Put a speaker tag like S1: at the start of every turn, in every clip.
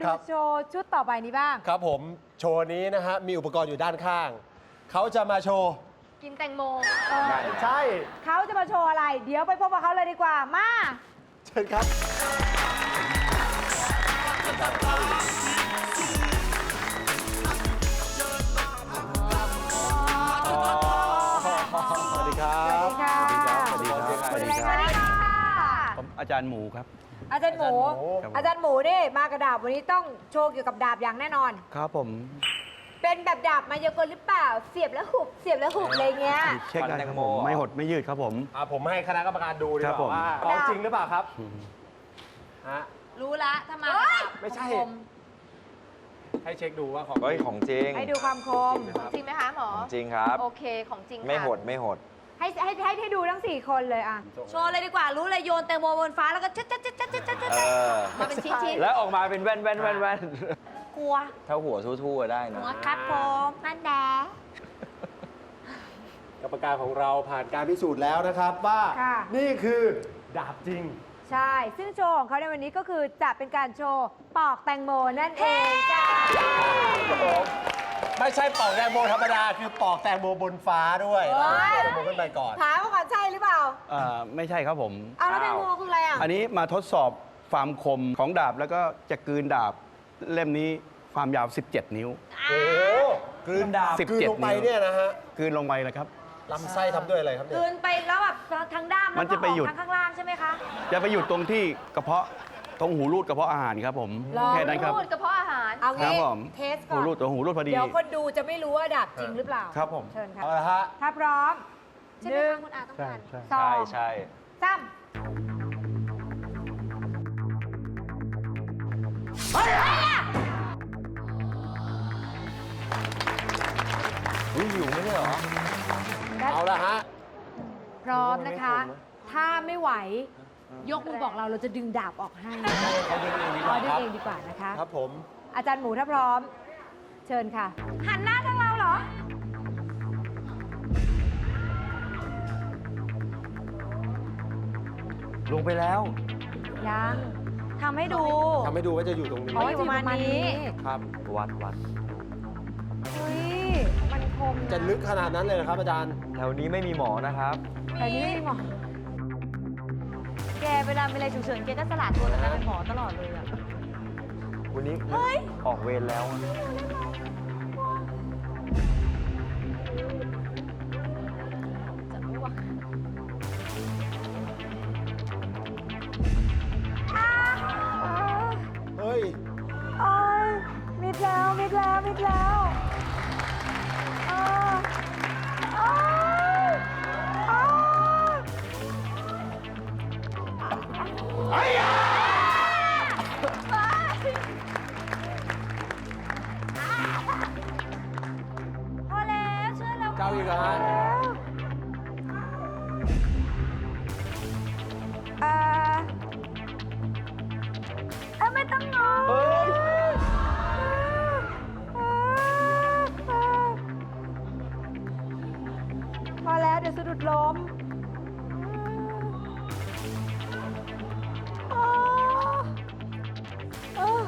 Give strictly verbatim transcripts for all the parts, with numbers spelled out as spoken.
S1: ดูโชว์ชุดต่อไปนี้บ้าง
S2: ครับผมโชว์นี้นะฮะมีอุปกรณ์อยู่ด้านข้างเขาจะมาโชว์
S3: กินแตงโม
S2: ใช่
S1: เขาจะมาโชว์อะไร เดี๋ยวไปพบกับเขาเลยดีกว่ามา
S2: เชิญครับสวัสดีครับ
S1: สวัสดีค่ะ
S4: สวัสดีครับ
S1: สวัสดี
S4: สวัสดีครับ
S1: ค่ะ
S4: ผมอาจารย์หมูครับ
S1: อาจารย์หมู
S4: ครับผม
S1: อาจารย์หมูนี่มากระดาบวันนี้ต้องโชว์เกี่ยวกับดาบอย่างแน่นอน
S4: ครับผม
S1: เป็นแบบดาบมายากลหรือเปล่า เสียบแล้วหุบ เสียบแล้วหุบอะไรเงี้ย
S4: เช็คได้ครับผมไม่หดไม่ยืดครับผม
S2: อ่ะผมให้คณะกรรมการดูดี
S4: ครั
S2: ก
S4: บผม
S2: ว่าว่าของจริงหรือเปล่าครับฮะ
S3: รู้ละถ้ามา
S2: ไม่ใช่
S3: คม
S2: ให้เช็คดูว่าของ
S5: เฮ้ยของจริง
S1: ให้ดูความคม
S3: ของจริงไหมคะหมอ
S5: ของจริงครับ
S3: โอเคของจริงค่ะ
S5: ไม่หดไม่หด
S1: ให้ให้ให้ให้ดูทั้งสี่คนเลยอ่ะ
S3: โชว์เลยดีกว่า รู้เลยโยนแตงโมบนฟ้าแล้วก็ชัดชัดชัดชัดชัดชัด
S5: เออ
S3: มาเป็นชิ้นชิ้น
S5: แล้วออกมาเป็นแว่นแว่นแว่นแว่น
S3: กลัว
S5: ถ้าหัวทู่ๆได้นะ
S3: หัวครับผมมันแดง
S2: กรรมการของเราผ่านการพิสูจน์แล้วนะครับว่า
S1: ค่ะ
S2: นี่คือดาบจริง
S1: ใช่ ซึ่งโชว์ของเขาในวันนี้ก็คือจะเป็นการโชว์ปอกแตงโมนั่นเองจ้า
S2: ไม่ใช่ปอกแตงโมธรรมดา คือปอกแตงโมบนฟ้าด้วยปอกแตงโมขึ้นไปก่อน
S1: ถามว่าก่อนใช่หรือเปล่า
S4: อ่าไม่ใช่ครับผม
S1: เอาแล้วแตงโมคืออะไรอ่ะ
S4: อันนี้มาทดสอบความคมของดาบแล้วก็จะกลืนดาบเล่มนี้ความยาว สิบเจ็ด นิ้ว
S2: โอ้โหกลืนดาบ
S4: สิบ
S2: กลืน
S4: เจ็ด
S2: ลงไป
S4: นิ้ว
S2: เนี่ยนะฮะ
S4: กลืนลงไปเลยครับ
S2: ลำไส้ทำด้วยอะไรครับเนี่
S3: คื
S2: ย
S3: นไปแล้วแบบทางด้าม
S4: มั
S3: แล้ว
S4: น
S3: ก็
S4: จะไปหยุด
S3: ออกทางข้างล่างใช่ไหมคะ
S4: จะไปหยุดตรงที่กระเพาะตรงหูรูดกระเพาะอาหารครับผม
S1: ลอง
S4: แค่นั้นครับ
S3: รูดกระเพาะอาหาร
S1: เอา
S4: ครั
S1: งี้
S4: บผม
S1: เทสก่
S4: หู
S1: อน
S4: รูดตัวหูรูดพอดี
S1: เดี๋ยวคนดูจะไม่รู้ว่าดาบจริงหรือเปล่า
S4: ครับผม
S1: เชิญค่ะ
S2: เอาละฮะ
S1: ถ้าพร้อม
S3: ใช่
S1: ห
S3: ไหม
S1: นึ่ง
S3: คะคุณอาต้อง
S4: ใช่
S3: การ
S4: ใช่
S1: สอ
S5: ใช่
S1: ง
S5: ใช่
S1: สาม
S5: อุ้ยอยู่ไม่ใช่เหรอ
S2: เอาละฮะ
S1: พร้อมนะคะ ถ้าไม่ไหว ยกมือบอกเราเราจะดึงดาบออกให้
S2: เขาดึงเองดีก
S1: ขอ
S2: ว่า
S1: ดึ
S2: ค
S1: ง
S2: รับ
S1: เองดีกว่านะคะ
S2: ครับผม
S1: อาจารย์หมูถ้าพร้อม เชิญค่ะ
S3: หันหน้าทางเราเหรอ
S5: ลงไปแล้ว
S1: ยังทำให้ดู
S2: ทำให้ดูว่าจะอยู่ตรงนี้
S1: อ๋ออยู่ประมาณนี้
S2: ครับ
S5: วัดวัด
S1: เฮ้ย มันคม
S2: จะลึกขนาดนั้นเลยนะครับอาจารย์
S5: แถวนี้ไม่มีหมอนะครับ
S1: แต่นี่ไม่มีหมอ
S3: แกเวลามีอะไรฉุกเฉินแกก็สลัดตัวแล้วเป็นหมอตลอดเลยอะ
S5: วันนี้ออกเวรแล้วอะ
S3: จะไม่ว่า
S2: เฮ้ย
S1: โอ้ยมิดแล้ว มิดแล้ว มิดแล้วอ้าวอ้าวอ้าว
S3: พอแล้วเชื่อแล้ว
S2: เจ้าอีกเหรอฮะ
S1: เอ่อเอ้ยไม่ต้องงอพอแล้วเดี๋ยวสะดุดล้มอ้าวอ้าว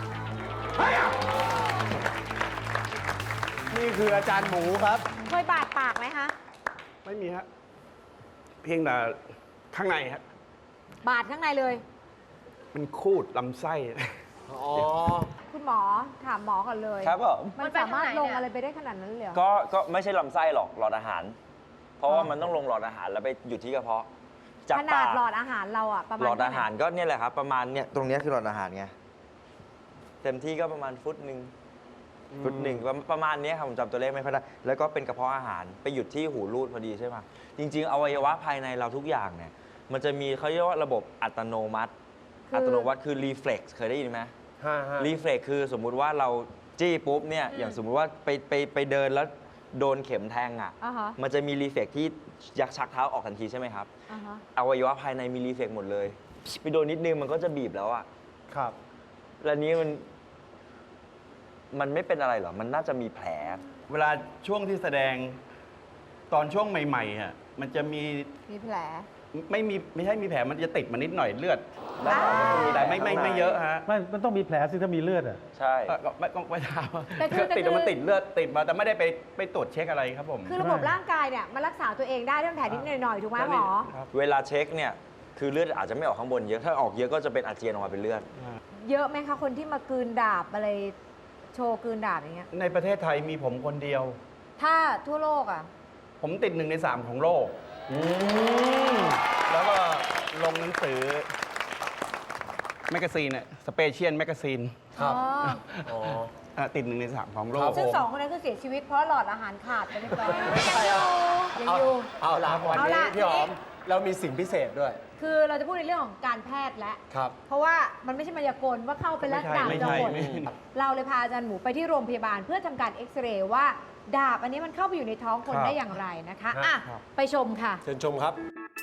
S2: นี่คืออาจารย์หมูครับ
S1: เคยบาดปากไหมคะ
S4: ไม่มีฮะเพียงแต่ข้างในฮะ
S1: บาดข้างในเลย
S4: มันคูดลำไส้
S2: อ๋อ
S1: คุณหมอถามหมอก่อนเลย
S5: ครับผม
S1: มันสามารถลงอะไรไปได้ขนาดนั้นเลยเหรอ
S5: ก็ก็ไม่ใช่ลำไส้หรอกหลอดอาหาร เพราะว่ามันต้องลงหลอดอาหารแล้วไปอยู่ที่กระเพาะจาก
S1: ขนา
S5: ปา
S1: ด
S5: ก
S1: หลอดอาหารเราอะประมาณ
S5: หลอดอาหาร
S1: เท่ไ
S5: ก็เนี่ยแหละครับ ประมาณเนี่ยตรงเนี้ยคือหลอดอาหารไงเต็มที่ก็ประมาณฟุตหนึ่งฟุตหนึ่งประประมาณเนี้ยครับผมจำตัวเลขไม่ค่อยได้แล้วก็เป็นกระเพาะอาหารไปหยุดที่หูรูดพอดีใช่ไหมจริง ๆ อวัยวะภายในเราทุกอย่างเนี่ยมันจะมีเขาเรียกว่าระบบอัตโนมัติ
S1: คืออั
S5: อัตโนมัติคือรีเฟล็กซ์เคยได้ยินไหม
S2: ฮะฮะ
S5: รีเฟล็กคือสมมุติว่าเราจี้ปุ๊บเนี่ยอย่างสมมุติว่าไปไปไปเดินแล้วโดนเข็มแทงอ่ะ
S1: อ่าฮะ
S5: มันจะมีรีเฟล็กที่ยักชักเท้าออกทันทีใช่ไหมครับ
S1: อ่าฮะ
S5: อวัยวะภายในมีรีเฟล็กหมดเลยไปโดนนิดนึงมันก็จะบีบแล้วอ่ะ
S2: ครับ
S5: แล้วนี้มันมันไม่เป็นอะไรเหรอ มันน่าจะมีแผล
S4: เวลาช่วงที่แสดงตอนช่วงใหม่ๆอ่ะมันจะมี
S1: มีแผล
S4: ไม่มีไม่ใช่มีแผลมันจะติดมานิดหน่อยเลือด
S1: อ้าว
S4: แต่ไม่ไม่ไม่เยอะฮะ
S6: ไม่มันต้องมีแผลสิถ้ามีเลือดอ่ะ
S5: ใช่
S4: เอ่อก็ไม่ก็ไม่ทราบ
S1: แต่คือแต่
S4: ติด
S1: คือ
S4: มันติดเลือดติดมาแต่ไม่ได้ไปไปตรวจเช็คอะไรครับผม
S1: คือระบบร่างกายเนี่ยมันรักษาตัวเองได้ถ้าเป็นแผลนิดหน่อยๆถูกไหมหมอ
S4: ครับ
S5: เวลาเช็คเนี่ยคือเลือดอาจจะไม่ออกข้างบนเยอะถ้าออกเยอะก็จะเป็นอาเจียนออกมาเป็นเลือด
S1: เยอะไหมคะคนที่มากลืนดาบอะไรโชว์กลืนดาบอย่างเงี้ย
S4: ในประเทศไทยมีผมคนเดียว
S1: ถ้าทั่วโลกอ่ะ
S4: ผมติดหนึ่งในสามของโลกแล้วก็ลงหนังสือแมกกาซีนอะสเปเชียลแมกกาซีน
S2: ครับ
S1: อ๋อ
S2: อ๋อ
S4: อ่ะติดหนึ่งในสามของโล
S2: ครั
S4: ก
S2: บ
S1: ซึ่งสองคนนั้นคือเสียชีวิตเพราะหลอดอาหารขาดไปเรียบร้อย
S2: ไม่ใช่อ่ะ
S1: ยัง
S2: เอา
S1: อยู่
S2: เอาละวัน
S1: เอา
S2: นี้
S1: ล่ะ
S2: พี่หอม
S1: ทีนี้
S2: เรามีสิ่งพิเศษด้วย
S1: คือเราจะพูดในเรื่องของการแพทย์และ
S2: ครับ
S1: เพราะว่ามันไม่ใช่มายากลว่าเข้าไปแล้ว
S4: ไม่ใช่
S1: ดาบ
S4: ไม่
S1: จะ
S4: ใช่
S1: หด
S4: ไม่ใช่
S1: เราเลยพาอาจารย์หมูไปที่โรงพยาบาลเพื่อทำการเอ็กซเรย์ว่าดาบอันนี้มันเข้าไปอยู่ในท้องคนได้อย่างไรนะคะอ่ะไปชมค่ะ
S2: เชิญชมครับ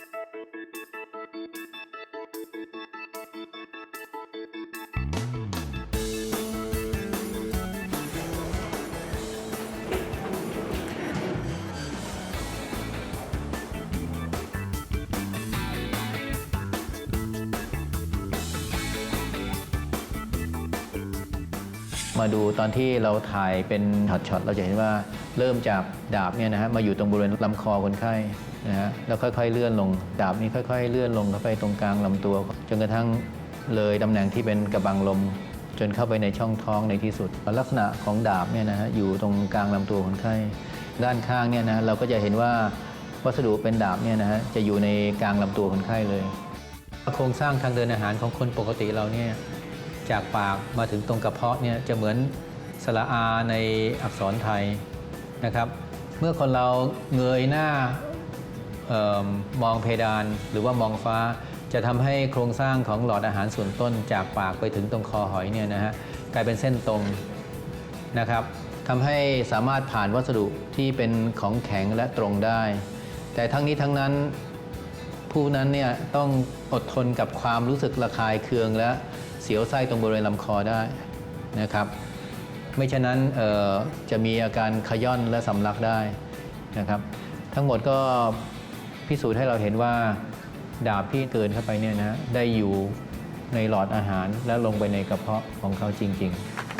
S7: มาดูตอนที่เราถ่ายเป็นช็อตๆเราจะเห็นว่าเริ่มจากดาบเนี่ยนะฮะมาอยู่ตรงบริเวณลำคอคนไข้นะฮะแล้วค่อยๆเลื่อนลงดาบนี้ค่อยๆเลื่อนลงเข้าไปตรงกลางลำตัวจนกระทั่งเลยตำแหน่งที่เป็นกระบังลมจนเข้าไปในช่องท้องในที่สุดลักษณะของดาบเนี่ยนะฮะอยู่ตรงกลางลำตัวคนไข้ด้านข้างเนี่ยนะเราก็จะเห็นว่าวัสดุเป็นดาบเนี่ยนะฮะจะอยู่ในกลางลำตัวคนไข้เลยโครงสร้างทางเดินอาหารของคนปกติเราเนี่ยจากปากมาถึงตรงกระเพาะเนี่ยจะเหมือนสระอาในอักษรไทยนะครับเมื่อคนเราเงยหน้าเออมองเพดานหรือว่ามองฟ้าจะทำให้โครงสร้างของหลอดอาหารส่วนต้นจากปากไปถึงตรงคอหอยเนี่ยนะฮะกลายเป็นเส้นตรงนะครับทำให้สามารถผ่านวัสดุที่เป็นของแข็งและตรงได้ แต่ทั้งนี้ทั้งนั้นผู้นั้นเนี่ยต้องอดทนกับความรู้สึกระคายเคืองและเสียวไส้ตรงบริเวณลำคอได้นะครับไม่ฉะนั้นจะมีอาการขย่อนและสำลักได้นะครับทั้งหมดก็พิสูจน์ให้เราเห็นว่าดาบที่เกินเข้าไปเนี่ยนะได้อยู่ในหลอดอาหารและลงไปในกระเพาะของเขาจริง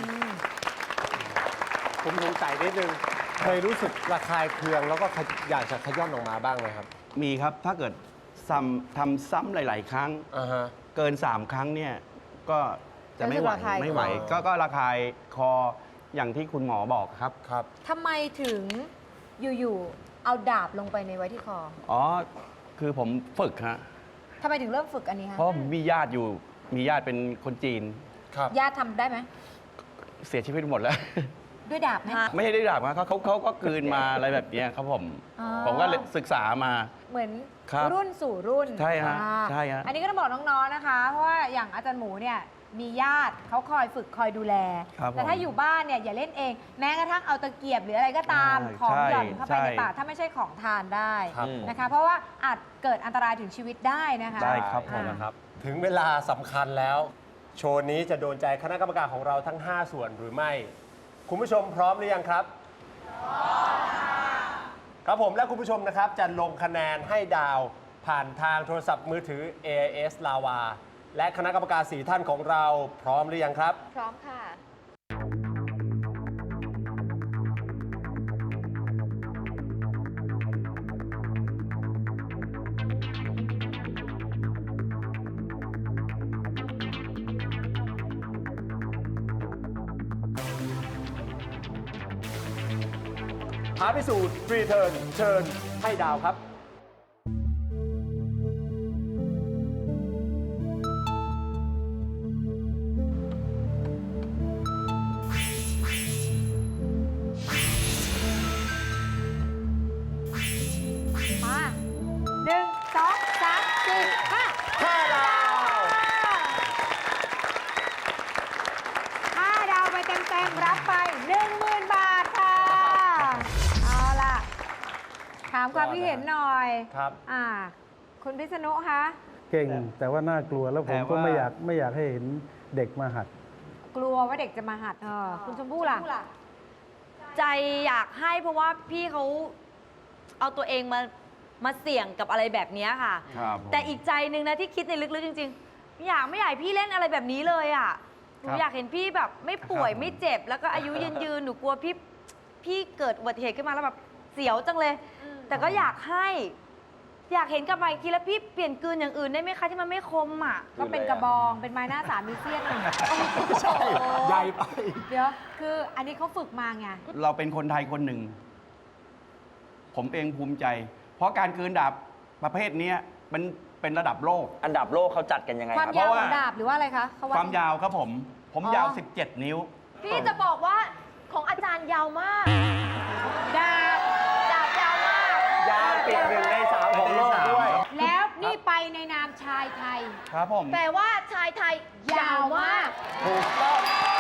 S7: ๆ
S2: ผมสงสัยนิดนึง เคยรู้สึกระคายเคืองแล้วก็ขยอยากจะขย้อนออกมาบ้างไหมครับ
S4: มีครับถ้าเกิดซ้ำทำซ้ำหลาย ๆ ครั้ง
S2: อ่าฮะ
S4: เกิน สาม ครั้งเนี่ยก็จะไม่ไหว
S1: รู้สึกระคาย
S4: ไม่ไหว
S2: คอ
S4: ก็ก็ระคายคออย่างที่คุณหมอบอกครับ
S2: ครับ
S1: ทำไมถึงอยู่ๆเอาดาบลงไปในไว้ที่คอ
S4: อ๋อคือผมฝึกฮะ
S1: ทำไมถึงเริ่มฝึกอันนี้คะ
S4: เพราะผมมีญาติอยู่มีญาติเป็นคนจีน
S2: ครับ
S1: ญาติทำได้ไหม
S4: เสียชีวิตหมดแล้ว
S1: ด้วยดาบไหม
S4: ไม่ใช่ได้ดาบนะเขาเขาเขาก็กลืนมาอะไรแบบเนี้ยครับผม
S1: อ๋อ
S4: ผมก็เลยศึกษามา
S1: เหมือน
S4: ครับ
S1: รุ่นสู่รุ่น
S4: ใช่ฮะ
S1: อ่า
S4: ใช่ฮะ
S1: อันนี้ก็ต้องบอกน้องๆนะคะ เพราะว่าอย่างอาจารย์หมูเนี่ยมีญาติเขาคอยฝึกคอยดูแล
S4: ครับผม
S1: แต่ถ้าอยู่บ้านเนี่ยอย่าเล่นเอง แม้กระทั่งเอาตะเกียบหรืออะไรก็ตาม
S4: ใช่
S1: ของ
S4: ใช่
S1: หย่อนเข้าไป
S4: ใช่
S1: ในปากถ้าไม่ใช่ของทานได้
S2: ครับ
S1: นะคะ เพราะว่าอาจเกิดอันตรายถึงชีวิตได้นะคะ
S4: ได้ครับผม
S1: อ่า
S2: นะครับ ถึงเวลาสำคัญแล้ว โชว์นี้จะโดนใจคณะกรรมการของเราทั้ง ห้า ส่วนหรือไม่ คุณผู้ชมพร้อมหรือยังครับ พร้อมครับผมและคุณผู้ชมนะครับจะลงคะแนนให้ดาวผ่านทางโทรศัพท์มือถือ เอ เอส Lava และคณะกรรมการสี่ท่านของเราพร้อมหรือยังครับ
S1: พร้อมค่ะ
S2: ท้าพิสูจน์รีเทิร์นเชิญให้ดาวครับ
S1: มาหนึ่งสองสามสี่ห้า
S2: ห้าดาว
S1: ห้าดาวไปเต็มๆ รับไปหนึ่งหมื่นบาทค่ะ เอาล่ะ ถามความคิดเห็นหน่อย
S2: ครับ
S1: อ่า คุณพิษณุคะ
S6: เก่งแต่ว่าน่ากลัวแล้วผมก็
S4: แต่ว่า
S6: ไม่อยากไม่อยากให้เห็นเด็กมาหัด
S1: กลัวว่าเด็กจะมาหัดเออคุณชมพู่ล่ะ
S3: ใจอยากให้เพราะว่าพี่เขาเอาตัวเองมามาเสี่ยงกับอะไรแบบนี้ค่ะ
S4: ครับผม
S3: แต่อีกใจหนึ่งนะที่คิดในลึกๆจริงๆไม่อยากไม่อยากให้พี่เล่นอะไรแบบนี้เลยอ่ะหนู
S4: ครับ
S3: อยากเห็นพี่แบบไม่ป่วย
S4: ครับผม
S3: ไม่เจ็บ แล้วก็อายุยืนยืนๆหนูกลัวพี่พี่เกิดอุบัติเหตุขึ้นมาแล้วแบบเสียวจังเลย แต่ก็อยากให้ อยากเห็นกลับมาอีกทีแล้วพี่เปลี่ยนกลืนอย่างอื่นได้ไหมคะที่มันไม่คมอ่ะ
S1: ก็เป็นกระบอง เป็นไม้หน้าสามมีเสี้ยนหนึ่ง
S2: ใช่ใหญ่ไป
S1: เดี๋ยว คืออันนี้เขาฝึกมาไง
S4: เราเป็นคนไทยคนหนึ่ง ผมเองภูมิใจ เพราะการกลืนดาบประเภทเนี้ยมันเป็นระดับโลก
S5: อันดับโลกเขาจัดกันยังไง
S1: ความ
S5: ครับ
S1: ยาว
S4: เพราะ
S1: ข
S4: ว่า
S1: องดาบหรือว่าอะไรคะเขด
S4: ความยาวครับผม ผม
S1: อ๋อ
S4: ยาว สิบเจ็ด นิ้ว
S3: พี่จะบอกว่าของอาจารย์ยาวมาก
S1: ดาบ
S3: ดาบยาวมาก
S2: ยาวติดหนึ่งในสามของโลกด้วย
S1: แล้วนี่ไปในนามชายไทย
S4: ครับผม
S3: แปลว่าชายไทยยาวมาก
S2: ถูกต้อง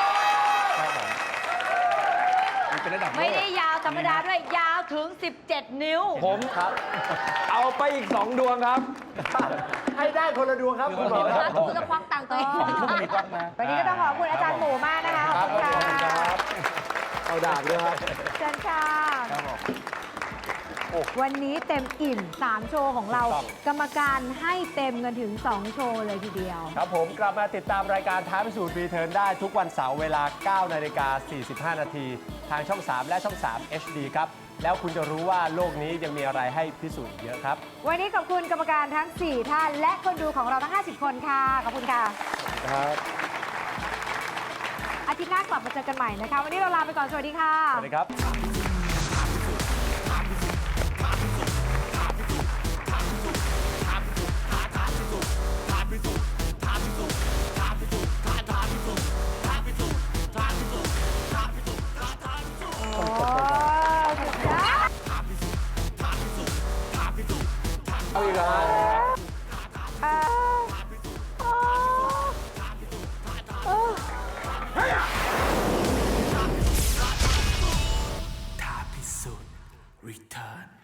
S4: มันเป็นระดับโลก
S3: ไม่ได้ยาวธรรมดาด้วย ยาวถึง สิบเจ็ด นิ้ว
S5: ผมครับ เอาไปอีกสองดวงครับ
S2: ให้ได้คนละดวงครับคุณหมอครับ
S3: คุณจะควักตังค์ตัวเอง
S4: ของทุกมีกล้องนะ
S1: วันนี้ก็ต้องขอบคุณอาจารย์หมูมากนะคะ ขอบคุณค่ะ
S2: เอาดาบด้วยครับ
S1: เชิญค่ะ
S4: ครับผม
S1: วันนี้เต็มอิ่ม สาม โชว์ของเรา
S2: ถูกต้อง
S1: กรรมการให้เต็มกันถึง สอง โชว์เลยทีเดียว
S2: ครับผมกลับมาติดตามรายการท้าพิสูจน์รีเทิร์นได้ทุกวันเสาร์เวลา เก้านาฬิกาสี่สิบห้านาทีทางช่อง สาม และช่อง สาม เอช ดี ครับ แล้วคุณจะรู้ว่าโลกนี้ยังมีอะไรให้พิสูจน์อีกเยอะครับ
S1: วันนี้ขอบคุณกรรมการทั้ง สี่ ท่าน และคนดูของเราทั้ง ห้าสิบ คนค่ะ ขอบคุณค่ะ
S2: ครับ
S1: อาทิตย์หน้ากลับมาเจอกันใหม่นะคะ วันนี้เราลาไปก่อน สวัสดีค่ะ
S2: สวัสดีครับ
S1: โอ้สุดยอด
S2: เอาอีกแล้ว
S1: อ่าโอ้โอ้
S8: ท้าพิสูจน์ Return